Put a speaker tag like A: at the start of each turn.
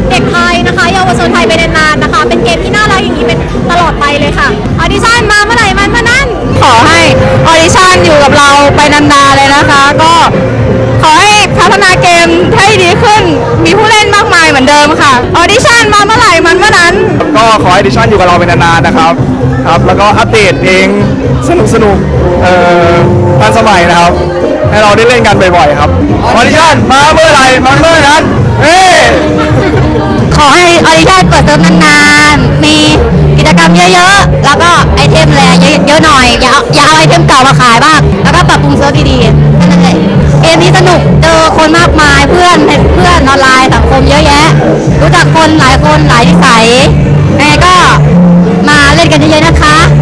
A: เด็กไทยนะคะเยาวชนไทยไปนานๆนะคะเป็นเกมที่น่ารักอย่างนี้เป็นตลอดไปเลยค่ะออดิชั่นมาเมื่อไหร่มันเมื่อนั้นขอให้ออดิชั่นอยู่กับเราไปนานๆเลยนะคะก็ขอให้พัฒนาเกมให้ดีขึ้นมีผู้เล่นมากมายเหมือนเดิมค่ะออดิชั่นมาเมื่อไหร่มันเมื่อนั้น
B: ก็ขอให้ดิชั่นอยู่กับเราเป็นนานๆนะครับแล้วก็อัปเดตเพลงสนุกทันสมัยนะครับให้เราได้เล่นกันบ่อยๆครับออดิชั่นมาเมื่อไหร่มาเมื่อนั้น
A: ขอให้ออดิชั่นเปิดเทอมนานๆมีกิจกรรมเยอะๆแล้วก็ไอเทมแรงเยอะๆหน่อยอย่าเอาไอเทมเก่ามาขายบ้างแล้วก็ปรับปรุงเซิร์ฟดีๆนั่นแหละเกมนี้สนุกเจอคนมากมายเพื่อนออนไลน์สังคมเยอะแยะรู้จักคนหลายนิสัยยังไงก็มาเล่นกันเยอะๆนะคะ